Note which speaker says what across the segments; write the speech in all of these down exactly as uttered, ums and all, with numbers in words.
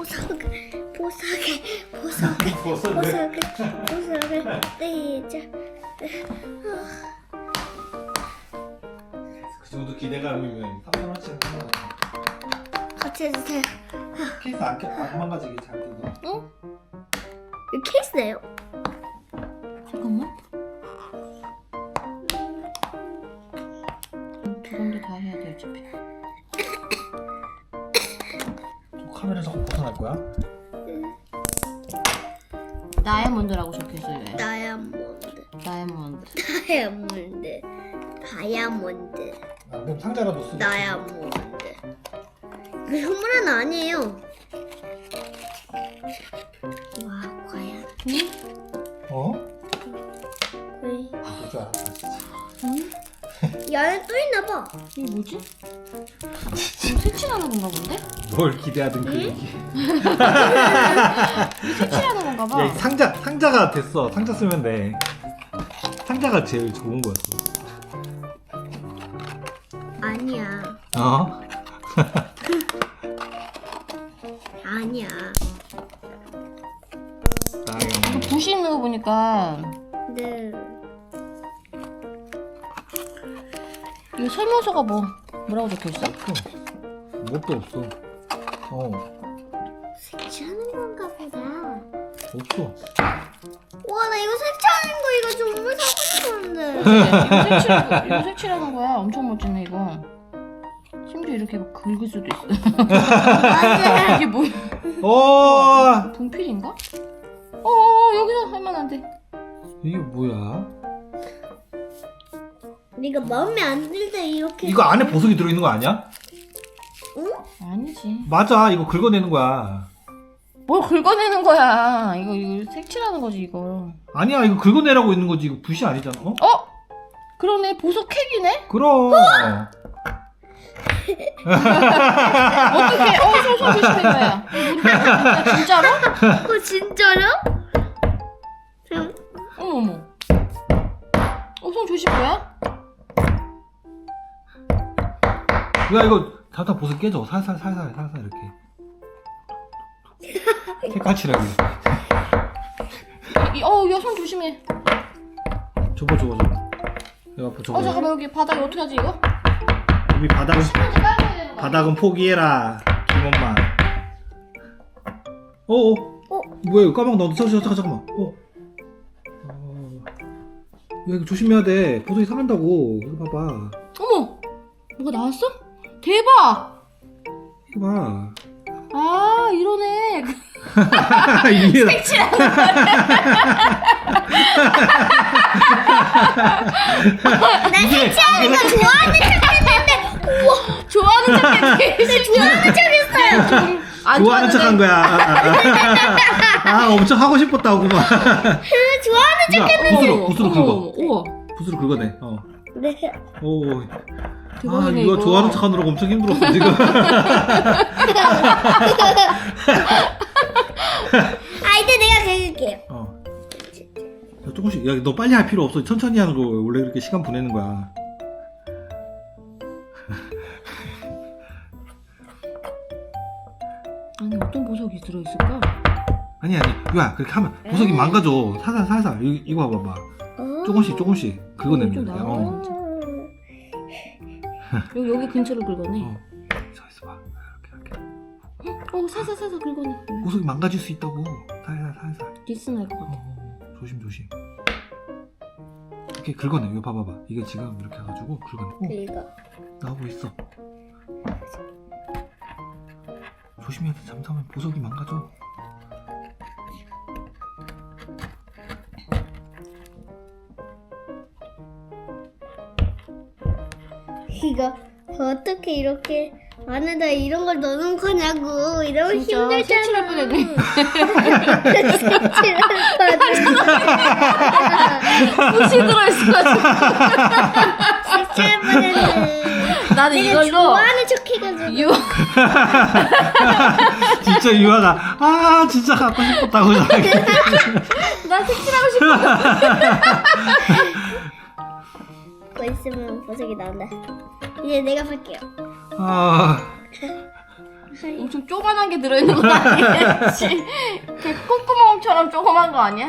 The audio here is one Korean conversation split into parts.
Speaker 1: 보석을 보석을 보석을
Speaker 2: 보석을.
Speaker 1: 보석을 보석을 떼자.
Speaker 2: 그 정도 기대감이면 삼천 원치 하는 거 같아.
Speaker 1: 같이 해주세요.
Speaker 2: 케이스 안, 켜- 안 망가지게 잘 뜯어.
Speaker 1: 응? 이 케이스예요?
Speaker 3: 잠깐만. 두 번도 다 해야 돼 어차피.
Speaker 2: 카메라 자꾸 벗어날 거야?
Speaker 3: 다이아몬드라고 적혀있어요. 얘.
Speaker 1: 다이아몬드
Speaker 3: 다이아몬드.
Speaker 1: 다이아몬드 다이아몬드
Speaker 2: 아, 그럼 상자라도 쓰자.
Speaker 1: 다이아몬드. 이거 선물은 아니에요. 와 과연
Speaker 3: 응?
Speaker 2: 어?
Speaker 1: 거의
Speaker 2: 그럴 줄 알았다 진짜.
Speaker 3: 응?
Speaker 1: 이 안에 또 있나 봐.
Speaker 3: 이게 뭐지? 이거 색칠하는 건가 본데?
Speaker 2: 뭘 기대하든 그 얘기.
Speaker 3: 이거 색칠하는 건가 봐.
Speaker 2: 야, 이 상자 상자가 됐어. 상자 쓰면 돼. 상자가 제일 좋은 거였어.
Speaker 1: 아니야
Speaker 2: 어?
Speaker 1: 아니야.
Speaker 3: 이거 붓이 있는 거 보니까
Speaker 1: 네.
Speaker 3: 이거 설명서가 뭐 뭐라고 적혀있어?
Speaker 2: 뭣도 없어. 어,
Speaker 1: 색칠하는 건가 보다.
Speaker 2: 없어.
Speaker 1: 와 나 이거 색칠하는 거 이거 정말 사고 싶었는데.
Speaker 3: 이거 색칠하는, 이거 색칠하는 거야. 엄청 멋지네 이거. 심지어 이렇게 막 긁을 수도 있어.
Speaker 1: 맞아.
Speaker 3: 이게 뭐야?
Speaker 2: 어,
Speaker 3: 분필인가? 어 여기서 하면 안 돼.
Speaker 2: 이게 뭐야?
Speaker 1: 네가 마음에 안 들 때 이렇게.
Speaker 2: 이거 안에 보석이 들어있는 거 아니야?
Speaker 1: 응?
Speaker 3: 아니지.
Speaker 2: 맞아, 이거 긁어내는 거야.
Speaker 3: 뭘 긁어내는 거야? 이거 이거 색칠하는 거지 이거.
Speaker 2: 아니야, 이거 긁어내라고 있는 거지. 이거 붓이 아니잖아. 어?
Speaker 3: 어? 그러네 보석 팩이네?
Speaker 2: 그럼.
Speaker 3: 어떻게? 어, 손, 손 조심해 봐야. 진짜로?
Speaker 1: 어 진짜로? 응.
Speaker 3: 어머 어머. 어, 손 조심해 야.
Speaker 2: 야, 이거 다 다 보석 깨져. 살살, 살살, 살살 이렇게. 깨까치라고.
Speaker 3: 어, 야, 손 조심해.
Speaker 2: 줘봐, 줘봐, 줘봐. 야, 앞에 줘봐.
Speaker 3: 어, 잠깐만 여기 바닥에 어떻게 하지 이거?
Speaker 2: 여기 바닥은,
Speaker 3: 스펀지 깔아야 되는 거.
Speaker 2: 바닥은 포기해라. 김엄마. 어, 어.
Speaker 1: 어?
Speaker 2: 뭐야, 이거 까먹 너 잠깐, 잠깐, 잠깐만. 어. 어. 야, 이거 조심해야 돼. 보석이 상한다고. 이거 봐봐.
Speaker 3: 어머, 뭐가 나왔어? 대박.
Speaker 2: 이거 봐.
Speaker 3: 아, 이러네.
Speaker 2: 이게
Speaker 3: 색칠하는 거야.
Speaker 1: 나 색칠하는 거 좋아하는 척했는데. 우와
Speaker 3: 좋아하는 척했지.
Speaker 1: 좋아하는 척했어요.
Speaker 3: 안
Speaker 2: 좋아하는 척 한
Speaker 3: 좋아하는데.
Speaker 2: 거야. 아, 아, 아, 엄청 하고 싶었다고만.
Speaker 1: 좋아하는 척했는데.
Speaker 2: 붓으로, 붓으로
Speaker 3: 어머,
Speaker 2: 긁어.
Speaker 3: 어머, 우와.
Speaker 2: 붓으로 긁어내. 어.
Speaker 1: 네.
Speaker 2: 오. 아,
Speaker 3: 대박이네,
Speaker 2: 이거
Speaker 3: 이거.
Speaker 2: 좋아하는 척 하느라고 엄청 힘들었어, 지금.
Speaker 1: 아 이제 내가 긁을게요.
Speaker 2: 어. 야, 조금씩, 야, 너 빨리 할 필요 없어. 천천히 하는 거 원래 이렇게 시간 보내는 거야.
Speaker 3: 아니 어떤 보석이 들어있을까?
Speaker 2: 아니, 아니. 야, 그렇게 하면 보석이 망가져. 살살, 살살. 이, 이거 봐봐.
Speaker 1: 어.
Speaker 2: 조금씩, 조금씩 긁어내는
Speaker 3: 좀
Speaker 2: 거야.
Speaker 3: 나와.
Speaker 2: 어.
Speaker 3: 여기 여기 근처를 긁어내.
Speaker 2: 어. 저 있어봐. 이렇게, 이렇게.
Speaker 3: 어, 살살 살살 긁어내.
Speaker 2: 보석이 망가질 수 있다고. 살살, 살살.
Speaker 3: 디스 날 것
Speaker 2: 어,
Speaker 3: 같아.
Speaker 2: 어, 어. 조심, 조심. 이렇게 긁어내. 이거 봐봐봐. 이게 지금 이렇게 해가지고 긁어내. 어,
Speaker 1: 긁어.
Speaker 2: 나오고 있어. 조심해야 돼. 잠깐만 보석이 망가져.
Speaker 1: 이거 어떻게 이렇게 안에다 이런 걸 넣는 거냐고. 이러면
Speaker 3: 진짜
Speaker 1: 힘들잖아.
Speaker 3: 색칠할 뻔했네.
Speaker 1: 색칠할 뻔했네.
Speaker 3: 붓이 들어있어가지고.
Speaker 1: 색칠할 뻔했네.
Speaker 3: 나는
Speaker 1: 내가
Speaker 3: 이걸로
Speaker 1: 좋아하는 척 해가지고.
Speaker 3: 유
Speaker 2: 진짜 유아가 아 진짜 갖고 싶었다고.
Speaker 3: 나 색칠하고 싶어.
Speaker 1: 뭐 있으면 보석이 나온다. 이제 내가 볼게요.
Speaker 2: 아
Speaker 1: 하이.
Speaker 3: 엄청 조그만한 게 들어있는 건 아니겠지? 이렇게 콧구멍처럼 조그만 거 아니야?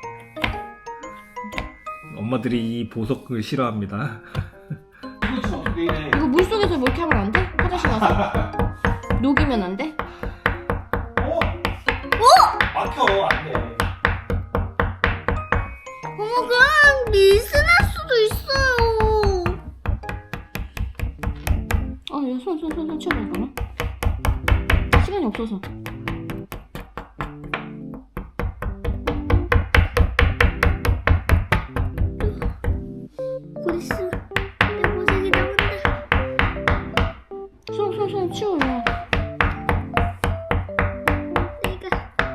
Speaker 2: 엄마들이 이 보석을 싫어합니다. 이거 지금 어떻게 해?
Speaker 3: 이거 물속에서 뭐 이렇게 하면 안 돼? 화장실 가서? 녹이면 안 돼?
Speaker 2: 어? 어? 막혀 안 돼.
Speaker 1: 어머 그럼 미스날 수도 있어요.
Speaker 3: 아, 야, 손, 손, 손, 손 치워봐, 이거는. 시간이 없어서.
Speaker 1: 곧 있으면 내 보석이 나온다.
Speaker 3: 손, 손, 손 치워, 야.
Speaker 1: 내가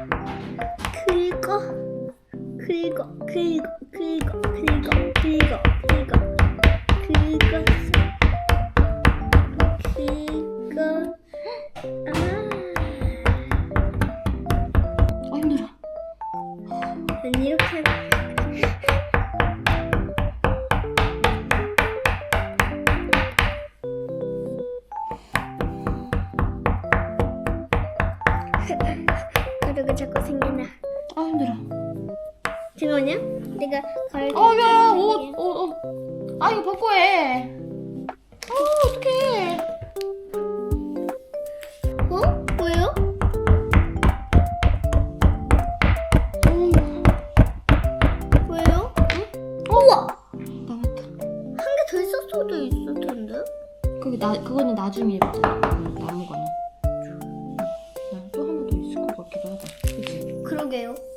Speaker 1: 긁어 긁어 긁어 긁어 긁어 긁어 긁어 긁었어 긁어
Speaker 3: 아, 힘들어.
Speaker 1: 난 이렇게 하는 그리고 자꾸 생겨나.
Speaker 3: 아, 힘들어.
Speaker 1: 잠깐만요. 내가 가을.
Speaker 3: 어, 야, 야, 옷, 옷, 옷. 아, 이거 벗고 해. 어, 어떡해.
Speaker 1: 어? 뭐예요?
Speaker 3: 음,
Speaker 1: 뭐예요?
Speaker 3: 응?
Speaker 1: 우와!
Speaker 3: 남았다.
Speaker 1: 한 개 더 있을 수도 있을 텐데.
Speaker 3: 그게 나, 그거는 나중에 입자. 남은 거는. 또 하나 더 있을 것 같기도 하다. 그치?
Speaker 1: 그러게요.